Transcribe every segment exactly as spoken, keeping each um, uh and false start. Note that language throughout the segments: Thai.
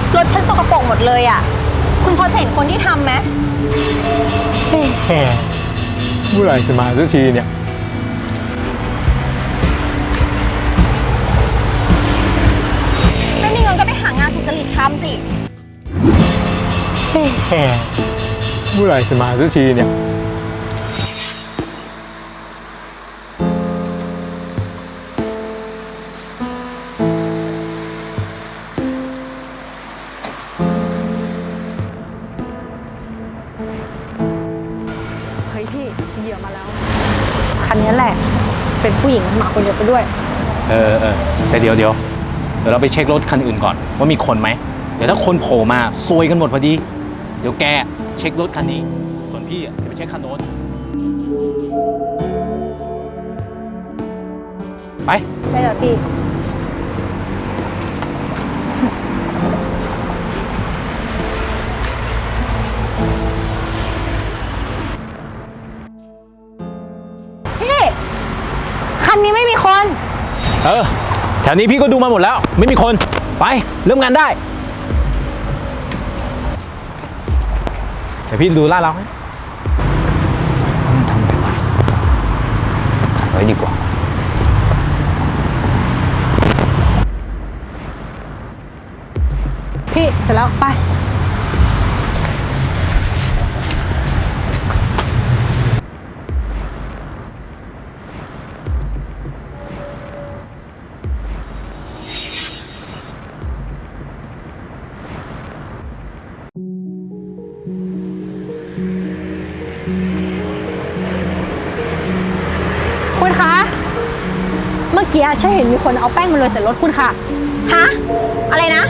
รถฉันสกปรกหมดเลยอ่ะคุณพอจะเห็นคนที่ทำไหมเมื่อไหร่จะมาสักทีเนี่ยไม่มีเงินก็ไปหางานสุจริตทำสิเมื่อไหร่จะมาสักทีเนี่ยเฮ้ยพี่เหยื่อมาแล้วคันนี้แหละเป็นผู้หญิงมาคนเดียวไปด้วยเออเออแต่เดี๋ยวเดี๋ยวเดี๋ยวเราไปเช็ครถคันอื่นก่อนว่ามีคนไหมเดี๋ยวถ้าคนโผล่มาซวยกันหมดพอดีเดี๋ยวแกเช็ครถคันนี้ส่วนพี่จะไปเช็คคันโน้นไปได้แล้วพี่พี่คันนี้ไม่มีคนเออแถวนี้พี่ก็ดูมาหมดแล้วไม่มีคนไปเริ่มงานได้เดี๋ยวพี่ดูลาดเราให้ทำไงวะถ่ายไว้ดีกว่าพี่เสร็จแล้วไปคุณคะเมื่อกี้ฉันเห็นมีคนเอาแป้งมาโรยใส่รถคุณค่ะฮะอะไรนะ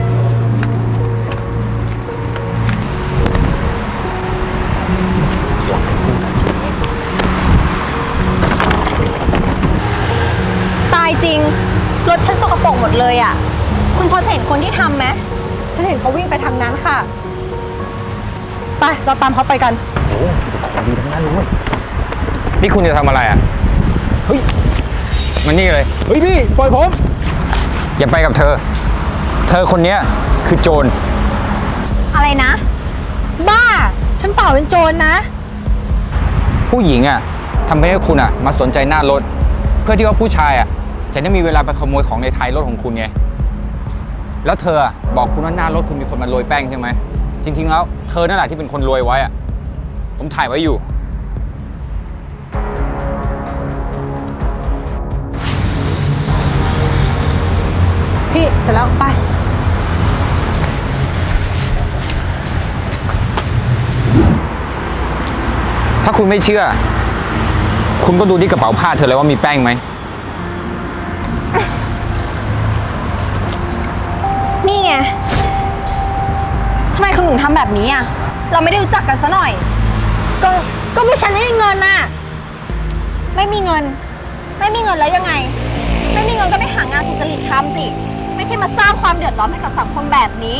ตายจริงรถฉันสกปรกหมดเลยอ่ะคุณพอจะเห็นคนที่ทำไหมฉันเห็นเขาวิ่งไปทางนั้นค่ะไปเราตามเขาไปกันโอ้ของดีทั้งนั้นเลยนี่คุณจะทำอะไรอ่ะเฮ้ยมันนี่เลยเฮ้ยพี่ปล่อยผมอย่าไปกับเธอเธอคนนี้คือโจรอะไรนะบ้าฉันเปล่าเป็นโจรนะผู้หญิงอ่ะทำให้คุณอ่ะมาสนใจหน้ารถเพื่อที่ว่าผู้ชายอ่ะจะได้มีเวลาไปขโมยของในท้ายรถของคุณไงแล้วเธอบอกคุณว่าหน้ารถคุณมีคนมาโรยแป้งใช่ไหมจริงๆแล้วเธอนั่นแหละที่เป็นคนโรยไว้อ่ะผมถ่ายไว้อยู่พี่เสร็จแล้วไปถ้าคุณไม่เชื่อคุณก็ดูที่กระเป๋าผ้าเธอเลยว่ามีแป้งไหมนี่ไงทำไมคุณถึงทำแบบนี้อ่ะเราไม่ได้รู้จักกันซะหน่อยก็ก็ไม่ฉันไม่มีเงินน่ะไม่มีเงินไม่มีเงินแล้วยังไงไม่มีเงินก็ไปหางานสุจริตทำสิไม่ใช่มาสร้างความเดือดร้อนให้กับสังคมแบบนี้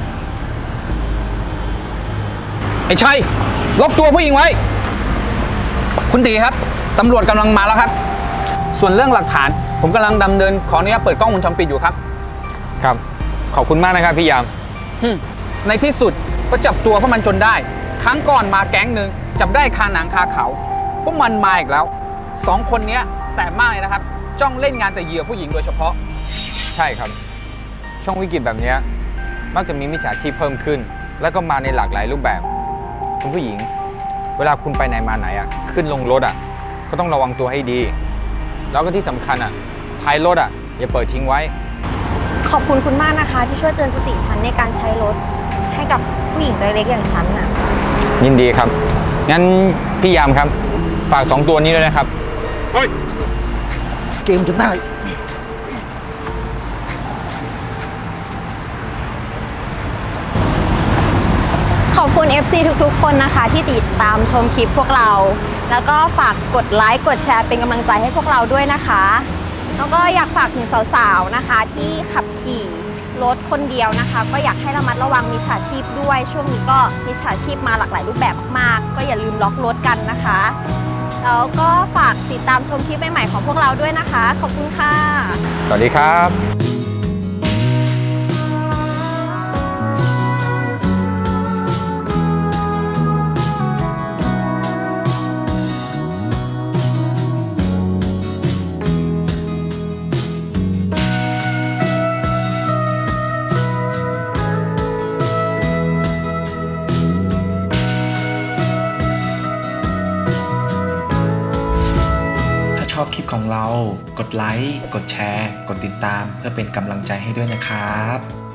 ไอ้ชัยล็อกตัวผู้หญิงไว้คุณตีครับตำรวจกำลังมาแล้วครับส่วนเรื่องหลักฐานผมกำลังดำเนินขออนุญาตเปิดกล้องวงจรปิดอยู่ครับครับขอบคุณมากนะครับพี่ยามในที่สุดก็จับตัวพวกมันจนได้ครั้งก่อนมาแก๊งหนึ่งจับได้คาหนังคาเขาพวกมันมาอีกแล้วสองคนนี้แสบมากเลยนะครับจ้องเล่นงานแต่เหยื่อผู้หญิงโดยเฉพาะใช่ครับช่วงวิกฤตแบบนี้มักจะมีมิจฉาชีพเพิ่มขึ้นแล้วก็มาในหลากหลายรูปแบบคุณผู้หญิงเวลาคุณไปไหนมาไหนอ่ะขึ้นลงรถอ่ะก็ต้องระวังตัวให้ดีแล้วก็ที่สำคัญอ่ะท้ายรถอ่ะอย่าเปิดทิ้งไว้ขอบคุณคุณมากนะคะที่ช่วยเตือนสติฉันในการใช้รถให้กับผู้หญิงตัวเล็กอย่างฉันน่ะยินดีครับงั้นพี่ยามครับฝากสองตัวนี้ด้วยนะครับเฮ้ยเกมจะได้ขอบคุณ เอฟ ซี ทุกๆคนนะคะที่ติดตามชมคลิปพวกเราแล้วก็ฝากกดไลค์กดแชร์เป็นกำลังใจให้พวกเราด้วยนะคะแล้วก็อยากฝากถึงสาวๆนะคะที่ขับขี่รถคนเดียวนะคะก็อยากให้ระมัดระวังมิจฉาชีพด้วยช่วงนี้ก็มิจฉาชีพมาหลากหลายรูปแบบมากๆก็อย่าลืมล็อกรถกันนะคะแล้วก็ฝากติดตามชมคลิปใหม่ๆของพวกเราด้วยนะคะขอบคุณค่ะสวัสดีครับอบคลิปของเรา กดไลค์ กดแชร์ กดติดตามเพื่อเป็นกำลังใจให้ด้วยนะครับ